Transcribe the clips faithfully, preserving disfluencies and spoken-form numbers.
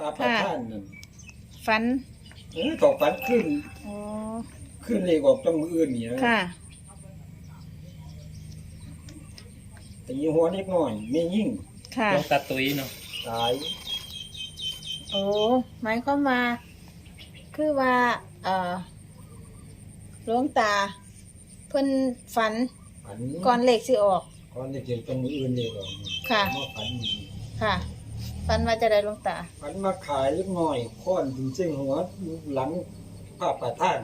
ระประธานนั่นฝันเออต่อฝันขึ้นอ๋อขึ้นเลขออกจังมืออื่นนี่นะค่ะแต่ยี่หัวนิดหน่อยไม่ยิ่งค่ะต้องตัดตุ้ยเนาะตายโอ้หมายความว่าคือว่าเอ่อหลวงตา เพิ่นฝันฝันก่อนเลขสิออกก่อนจะเกี่ยวกับมืออื่นเลยหรอกค่ะมาฝันดีค่ะฝันว่าจะได้หลวงตาฝันมาขายเล็กน้อยค้อนถึงเส้นหัวหลังพระประธาน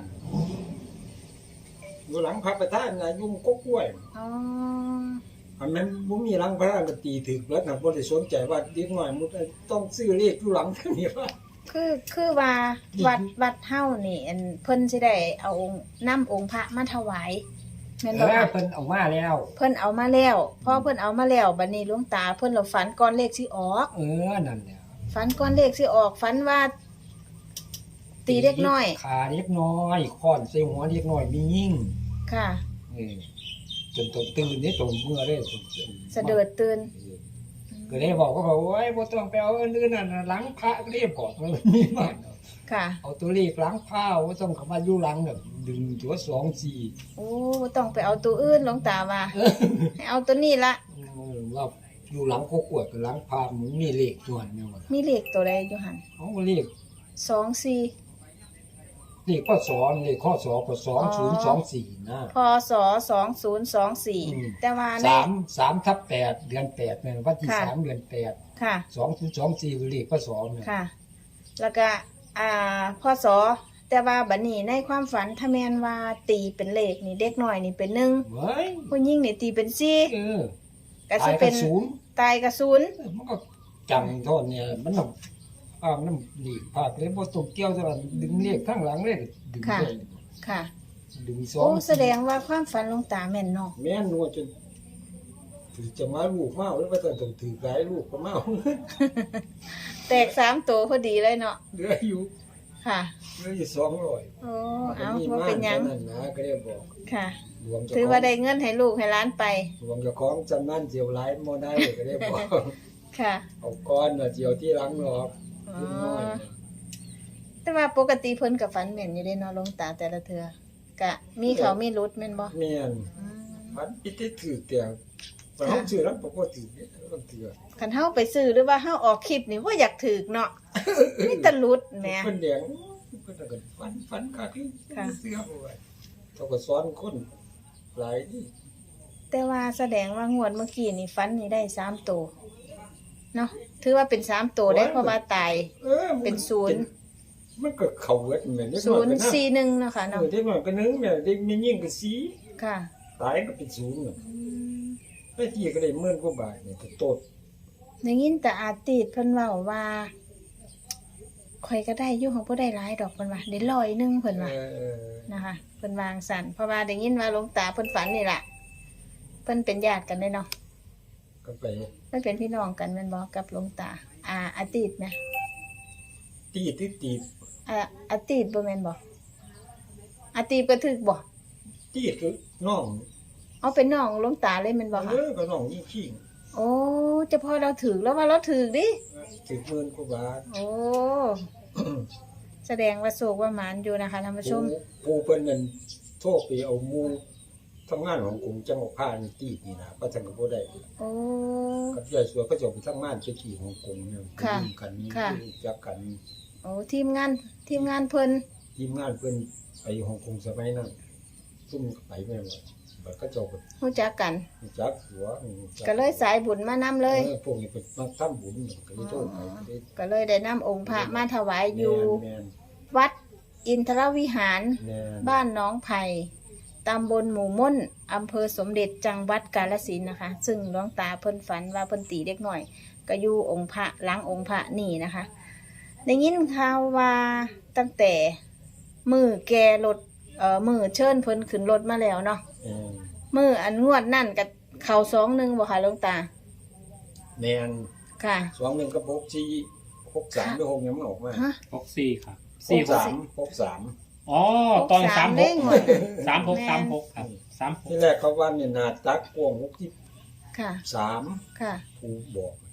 อยู่หลังพระประธานนะยุ่งก็กล้วยอ๋ออันนั้นบ่มีหลังพระก็ตีถึกแล้วนะบ่ได้สนใจว่าเด็กน้อยมันต้องซื้อเลขอยู่หลังเท่านี้ว่าคือคือว่าวัดวัดเฮานี่อันเพิ่นสิได้เอาองค์นำองค์พระมาถวายแม่นเอบ่อคะเพิ่นออกมาแล้วเพิ่นเอามาแล้วพอเพิ่นเอามาแล้วบัดนี้หลวงตาเพิ่นเราฝันก่อนเลขสิออกเออนั่นแหละฝันก่อนเลขสิออกฝันว่า ตีเล็กน้อยขาเล็กน้อยค้อนใส่หัวเล็กน้อยมียิ่งค่ะเออจนตนตื่นนี่ตนเมื่อได้ตนเสด็จตื่นก็เลยบอกก็บอกโอ้ยบ่ต้องไปเอาอันอื่นนั่นน่ะหลังพระก็เรียบบอกมันมีมากค่ะเอาตัวเลขหลังพระบ่ต้องเข้ามาอยู่หลังแบบดึงตัวสองสี่โอ้บ่ต้องไปเอาตัวอื่นหลวงตาว่าให้เอาตัวนี้ละเออว่าอยู่หลังโคกวดกับหลังพระมันมีเลขส่วนเนี่ยว่ามีเลขตัวใดอยู่หั่นเอาเลขสองสี่เลขข้อสอนเลขข้อสอบก็สองศูนย์สองสี่นะพศสองศูนย์สองสี่อืมแต่ว่าในสามสามทับแปดเดือนแปดเนี่ยวันที่ค่ะสามเดือนแปดค่ะสองศูนย์สองสี่เลขข้อสอนเนี่ยค่ะ แล้วก็อ่าพศแต่ว่าบัดนี้ในความฝันถ้าแม่นว่าตีเป็นเลขนี่เด็กน้อยนี่เป็นหนึ่งเฮ้ยผู้หญิงนี่ตีเป็นสี่เออก็ตาสิยเป็กัน นศูนย์ตายกับศูนย์มันก็จำโทษเนี่ยมันต้องภาพน้ำดีภาพเลยพอตกเกี่ยวจะดึงเลขข้างหลังเลขดึงค่ะเลยค่ะดึงสอโอ้งแสดงว่าความฝันหลวงตาแม่นเนาะแม่นนัวจนถือจะมาลูกเมาแล้วว่าต้องต้องถือหลายลูกก็เมาแตกสามตัวพอดีเลยเนาะเหลืออยู่ค่ะเหลืออยู่สองร้อยโอ้เอาว่าเป็นหยังนั่นนะก็ได้บอกค่ะหลวงเจ้าถือขอว่าง ได้เงินให้ลูกให้หล้านไปหลวงเจ้าของจำนั่นเจียวหลายบ่ได้ก็ได้บอกค่ะเอาก้อนน่ะเจียวที่หลังหรอกอ๋อนิดน้อยน่ะแต่ว่าปกติเพิ่นกับฝันแม่นอยู่เด้เนาะหลวงตาแต่ละเทื่อกะมีเขามีรุดแม่นบ่แม่นอืมพันอิติถือแต่แต่เฮาชื่อแล้วบ่ถือต้องถือคันเฮาไปซื้อหรือว่าเฮาออกคลิปนี่บ่อยากถูกเนาะมีแต่รุดแหมเพิ่นแดงเพิ่นก็ฟันฟันคักค่ะเสื้อเอาไว้เขาก็สอนคนหลายนี่แต่ว่าแสดงว่างวดเมื่อกี้นี่ฝันนี่ได้สามตัวเนาะถือว่าเป็นสามตัวได้เพราะว่าตายเออมัเป็นศูนย์มันก็เข้าเวทแม่นเด็กศูน้อยนก็ย์นะสี่หนึ่งเนาะค่ะเอเนาะอเด็กน้อยก็นึงแม่เด็กมียิ่งก็สีค่ะตายก็เป็นศูนย์น่ะอืมไปที่ก็ได้หมื่นกว่าบาทเนี่ยก็โตดได้ยินแต่อาติดเพิ่นเว้าว่าข่อยก็ได้อยู่ของบ่ได้หลายดอกเพิ่นว่าได้ร้อยหนึงเพิ่นว่าเออนะคะเพิ่นวางสั่นเพราะว่าได้ยินว่าหลวงตาเพิ่นฝันนี่ล่ะเพิ่นเป็นญาติกันเด้เนาะก็ไปเพิ่นเป็นพี่น้องกันแม่นบ่กับหลวงตาอ่าอาติดไหมตีตีตีอ่าอาติดบ่แม่นบ่อาติดก็ถึกบ่ตีคือน้องเอาเป็นน้องหลวงตาเลยแม่นบ่เอคะอก็น้องยิ่งขี้โอ้เจะพอเราถึกแล้วว่าเราถึกดิถึงหมื่นกว่าบาทโอ้แสดงว่าโศกว่าหมานอยู่นะคะท่านผู้ชมผู้เพิ่นนั่นโทษไปเอาหมู่ทำงานของกลุ่มจังหวัดพานี่ตีนี่นะก็จังก็บ่ได้โอ้กับยายสวยก็จะไปทำงานไปที่ฮ่องกงเนี่ยค่ะไปยุ่งกันนี่ค่ะรู้จักกันโอ้ทีมงานทีมงานเพิ่นทีมงานเพิ่นไปฮ่องกงสมัยนั้นซุ่มไปแม่นว่าบัดก็เจ้าก็รู้จักกันรู้จักหัวรู้จัก็เลยสายบุญมานำเลยออพวกนี้เป็นมาทำบุญก็เลยโทษไปก็เลยก็เลยได้นำองค์พระมาถวายอยู่แม่นวัดอินทรวิหารแม่นบ้านหน้องไผ่ตำบลหมู่ม่นอำเภอสมเด็จจังหวัดกาฬสินธุ์นะคะ ซึ่งหลวงตาเพิ่นฝันว่าเพิ่นตีเด็กหน่อย ก็อยู่องค์พระหล้างองค์พระนี่นะคะได้ยินข่าวว่าตั้งแต่มือแกรถเอ่อมือเชิญเพิ่นขึ้นรถมาแล้วเนาะแม่นมืออันงวดนั่นกับเข่าสองหนึ่งบ่ค่ะหลวงตาแม่นค่ะสองหนึ่งกับหกสี่หกสามหรือหกยังไม่ออกมาฮะหกสี่ครับหสี่กหกสามหกสามอ๋อตอนสามหเด้กงหมดสามหกแม่นสามหกครับสามหกที่แรกเขาว่าเนี่ยนาตักกวงหกที่ค่ะสามค่ะผู้บอก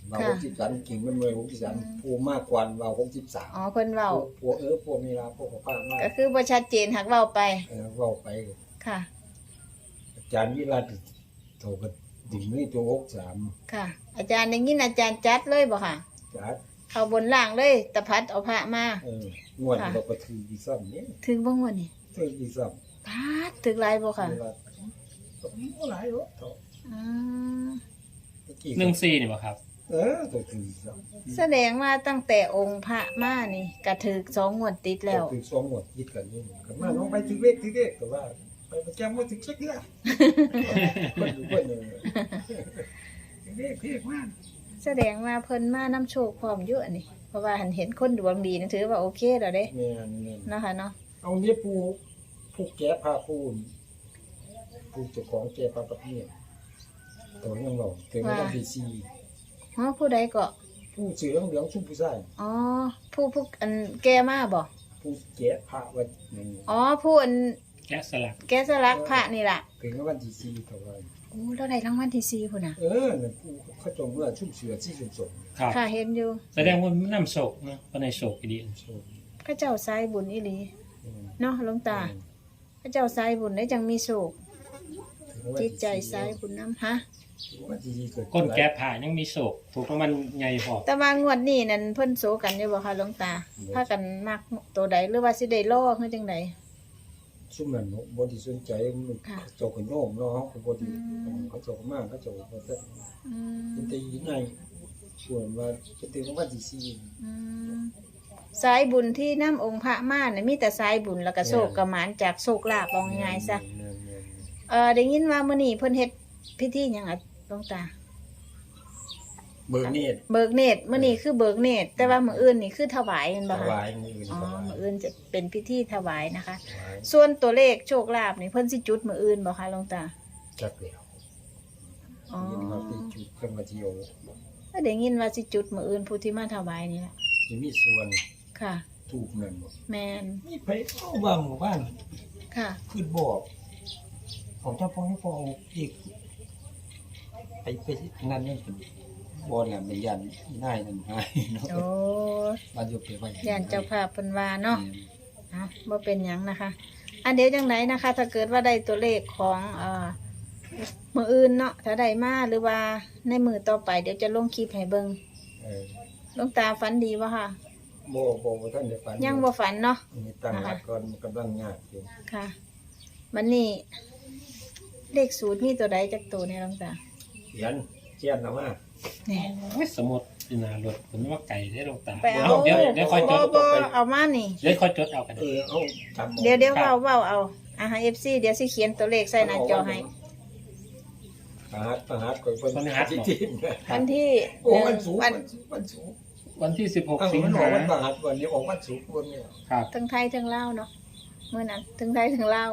ว่าหกสิบสามกิ่งมันเมื่อหกสิบสามผู้มากกว่าว่าหกสิบสามอ๋อเพิ่นเว้าพวกเออพวกมีลาพวกป้ามากก็คือบ่ชัดเจนหักเว้าไปเออเว้าไปค่ะอาจารย์วิรัตโทรก็ดึงนี่ตัวหกสามค่ะ อาจารย์ได้ยินอาจารย์จัดเลยบ่ค่ะจัดเข้าบนล่างเลยตะพัดเอาพระมาเอองวดเราก็ถืออีซ้ำนี่ถึงบ่งวดนี่ถืออีซ้พัดถึงหลายบ่ำค่ะเวลาก็มีหลายรถเถอะอืมเมื่อกี้หนึ่งสี่นี่บ่ครับเออตัวถือซ้แสดงว่าตั้งแต่องค์พระมานี่ก็ถึกสองงวดติดำแล้วถือสองหมดยิดกันนี่ก็มาน้องไปถือเลขถือเลขก็ว่าไปประจำว่าถือเช็คเนี่ยคนอยู่คนหนึ่งถือเลขถือเลขมากแสดงว่าเพิ่นมานํโชคพร้อมอยู่อันนี้เพราะว่าหันเห็นคนดวงดีนะถือว่าโอเคแล้วเด้แม่นแม่นเนาะค่ะเนาะเอาเนี่ยปูผู้แก้ผ้าปูนผู้เจ้าของแก้ผ้าประเภทตัวยังเราถึงวันที่สี่อ๋อผู้ใดก็ผู้เสือเหลืองชุ่มผู้ชายอ๋อผู้ผู้อันแก้มาบ่ผู้แก้ผ้าวันหนึ่งอ๋อผู้อันแกะสลักแกะสลักพระนี่ล่ะถึงวันที่สี่เท่าไหร่โอ้แล้วได้รางวัลที่สี่พุ่นน่ะเออนั่นผู้เขาจงเมื่อชุ่มเสือที่ชุ่มสมครับค่ะเห็นอยู่แสดงว่ามันนำโศกเนาะเพราะในโศกอีดีชมพระเจ้าสายบุญอีหลีอืมเนาะหลวงตา พระเจ้าสายบุญได้จังมีโชคถึงวันจิที่ตใจสายบุญนำฮะถึงวันที่สี่เกิดก้นแก้ผ่ายังมีโศกถูกรางวัลใหญ่พอแต่ว่างวดนี้นั่นเพิ่นโซกันอยู่บ่คะหลวงตาพากันมักตัวใดหรือว่าสิได้รอคือจังไดชุ่มนั่นบนที่สนใจมันค่ะเจ้าขนโน้มเนาะเขาบนที่อืมเขาเจ้ามากเขาเจ้าเขาจะอืเป็นมตียังไงส่วนว่าจะถึงวันที่สี่อืมสายบุญที่นํองค์พระมาเนี่ยมีแต่สายบุญแล้วก็โชคกระหมานจากโชคลาภเอาง่ายๆซะแม่นเออได้ยินว่ามื้อนี้เพิ่นเฮ็ดพิธีหยังอ่ะหลวงตาๆเบอร์เนตรเบิกเนตรมื้อนี้คือเบิกเนตรแต่ว่ามื้ออื่นนี่คือถวายแม่นถบ่คะวายมืออื่นอ๋อถวายมื้ออื่นจะเป็นพิธีถวายนะคะถวายส่วนตัวเลขโชคลาภนี่เพิ่นสิจุดมื้ออื่นบ่คะหลวงตาจักแล้วอ๋อยินมาปีจุดกันมาเที่ยวถ้าได้ยินว่าสิจุดมื้ออื่นผู้ที่มาถวายนี่ล่ะจะมีส่วนค่ะถูกนั่นบ่แม่นมีไปเข้าบ้านหมู่บ้านค่ะขึ้นบอกของเจ้าพ่อให้พ่อเอาอีกไปไปนั่นนี่เป็นบ่แหลมในยันนายนั่นหายเนาะโอ้บ้านอยู่ไปไว้ย่านเจ้าภาพเพิ่นว่าเนาะเอ้าบ่เป็นหยังนะคะ อันเดี๋ยวจังไดนะคะ ถ้าเกิดว่าได้ตัวเลขของเอ่อมื้ออื่นเนาะถ้าได้มาหรือว่าในมื้อต่อไปเดี๋ยวจะลงคลิปให้เบิ่งเออหลวงตาฝันดีบ่ค่ะบ่บ่บ่ท่านได้ฝันยังบ่ฝันเนาะมีตั้งหลักก่อนมันกำลังยากอยู่ค่ะมันนี่เลขสูตรมีตัวใดจากตัวเนี่ยหลวงตาเขียนเขียนเอามานี่โอ้ยสมุดอยู่หนารถผมว่าไก่ได้ลงตาไปเอาเดี๋ยวเดี๋ยวค่อยจบ่ดบ่เอามานี่เดี๋ยวค่อยจดเอากันเออเอาจำอาเดี๋ยวเดี๋ยวเว้าเว้าเอาอ่าฮะ เอฟ ซี เดี๋ยวสิเขียนตัวเลขใส่หน้าจอให้ประหัสประหัสก่อนเพิ่นที่ที่วันที่โอ้หวันึ่นงศุกร์วันวันศุกร์วันที่สิบหกอ้าวสิงมันออหากวันประหัสวันนี้ออกวันศุกร์วันเนี่ยครับทั้งไทยทั้งลาวเนาะเมื่อนั้นทั้งไทยทั้งลาว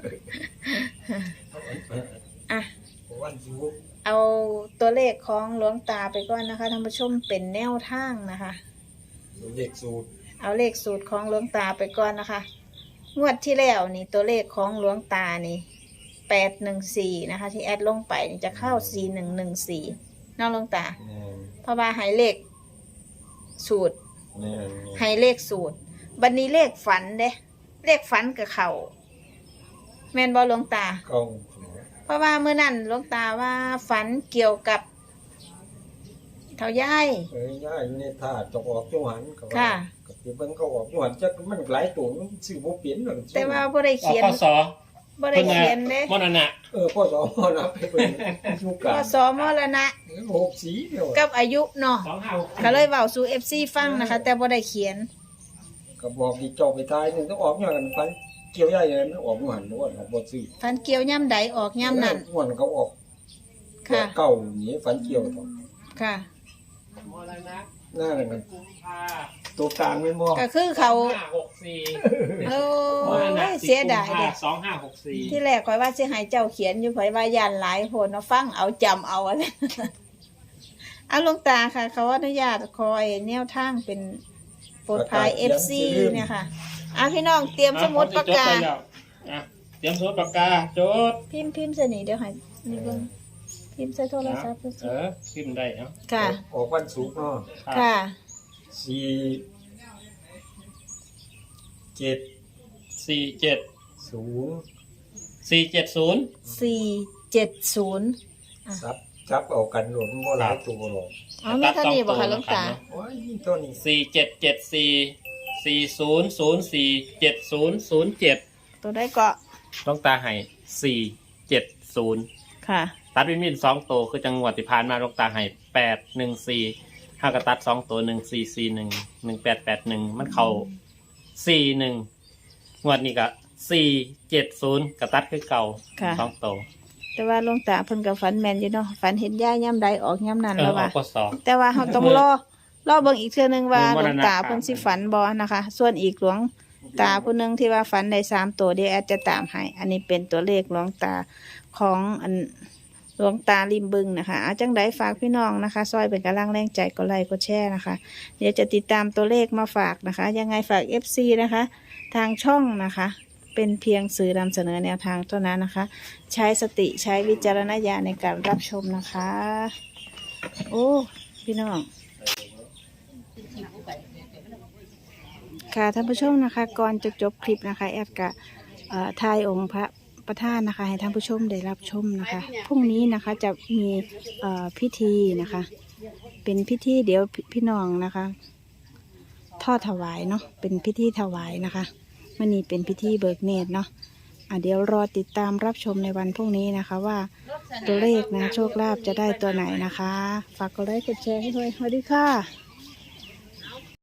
อ่ะวันศุกร์เอาตัวเลขของหลวงตาไปก่อนนะคะท่านผู้ชมเป็นแนวทางนะคะเด็กสูตรเอาเลขสูตรของหลวงตาไปก่อนนะคะ งวดที่แล้วนี่ตัวเลขของหลวงตานี่แปดหนึ่งสี่นะคะ ที่แอดลงไปนี่จะเข้าสี่หนึ่งหนึ่งสี่น้องหลวงตาแม่นเพราะว่าให้เลขสูตรแม่นให้เลขสูตร บัดนนี้เลขฝันเด้เลขฝันกับเขาแม่นบอหลวงตาเก้าเพราะว่าเมื่อนั้นหลวงตาว่าฝันเกี่ยวกับเท่าย่ายเอ้ยย่าอยู่ในท่าตกออกจังหวัดก็ว่าค่ะก็คือเบิ่งเขาออกจังหวัดจักมันหลายตัวมันซื้อบ่เปลี่ยนหรอกแต่ว่าบ่ได้ออกเขียนข้อสอบ่ได้เขียนเด้มรณะเออพ่อสอนพ่อนับไปเบิ่งอยู่กก็ลางสอมรณะหกสีเดียวกับอายุเนาะสองห้าหกก็เลยเว้าสู่ เอฟ ซี ฟังนะคะ แต่บ่ได้เขียนก็บอกที่เจ้าไปตายนึงต้องออกอย่างนั้นฟันเกี่ยวใหญ่เลยมันออกบ่หันบ่ออกบ่ซื้อฝันเกี่ยวย่ำใดออกย่ำนั้นม่วนเขาออกค่ะเก่านี่ฟันเกี่ยวต่อค่ะมรณะหน้านั่นมันกุมภาตัวกลางแม่นบ่ก็คือเขาสองห้าหกสี่โอ้มรณะยเสียดายเด้สองห้าหกสี่ที่แรกข่อยว่าสิให้เจ้าเขียนอยู่ข่อยว่าย่านหลายโพดเนาะฟังเอาจำเอาอะไร เอาหลวงตาค่ะ เขาอนุญาตคอยแนวทางเป็นโปรดภาย เอฟ ซี เนี่ยค่ะอ่ะพี่น้องเตรียมสมุดปากกาอ่ะเตรียมสมุดปากกาจดพิมพ์พิมพ์สนิเดี๋ยวให้นี่เบิ่งพิมพ์ใส่โทรศัพท์เออพิมพ์ได้เนาะค่ะออกวันศุกร์เนาะค่ะสี่เจ็ดสี่เจ็ดศูนย์สี่เจ็ดศูนย์สี่เจ็ดศูนย์ซับจับเอากันรวมบ่หลายตัวหรอกอ๋อมีเท่านี้บ่คะหลวงตาโอ้ยนี่ตัวนี้สี่เจ็ดเจ็ดสี่สี่ศูนย์ศูนย์สี่เจ็ดศูนย์ศูนย์เจ็ดตัวได้เกาะต้องตาให้สี่เจ็ดศูนย์ค่ะตัดวินวินสองตัวคือจังหวัดที่ผ่านมาลงตาให้แปดหนึ่งสี่ห้ากระตัดสองตัวหนึ่งสี่สี่หนึ่งหนึ่งแปดแปดหนึ่งมันเข้าสี่หนึ่งงวดนี้ก็สี่เจ็ดศูนย์กระตัดคือเก่าค่ะสองตัวแต่ว่าหลวงตาเพิ่นก็ฝันแม่นอยู่เนาะฝันเห็นย่าย่ำใดออกย่ำนั้นเออแล้วออว่ากพศแต่ว่าเราต้องรอรอเบิ่งอีกเทื่อนึงว่าเบิ่หลงวงมรณะตาเพิ่นสิฝันบ่นะคะ ส่วนอีกหลวงตาผู้หนึงที่ว่าฝันได้สามตัวเดี๋ยวแอดจะตามให้อันนี้เป็นตัวเลขหลวงตาของอันหลวงตาริมบึงนะคะเอาจังไดฝากพี่น้องนะคะ ซอยเป็นกำลังแรงใจกดไลค์กดแชร์นะคะ เดี๋ยวจะติดตามตัวเลขมาฝากนะคะ ยังไงฝาก เอฟ ซี นะคะ ทางช่องนะคะ เป็นเพียงสื่อนำเสนอแนวทางเท่านั้นนะคะ ใช้สติใช้วิจารณญาณในการรับชมนะคะ โอ้พี่น้องค่ะท่านผู้ชมนะคะ ก่อนจะจบคลิปนะคะแอดกะเอ่อทายองค์พระประธานนะคะ ให้ท่านผู้ชมได้รับชมนะคะพรุ่งนี้นะคะจะมีเอ่อพิธีนะคะ เป็นพิธีเดี๋ยวพพี่น้องนะคะ ทอดถวายเนาะเป็นพิธีถวายนะคะมันนี้เป็นพิธีเบิกเนตรเนาะอ่ะเดี๋ยวรอติดตามรับชมในวันพรุ่งนี้นะคะ ว่าตัวเลขนะโชคลาภจะได้ตัวไหนนะคะ ฝากกดไลค์กดแชร์ให้ด้วยสวัสดีค่ะ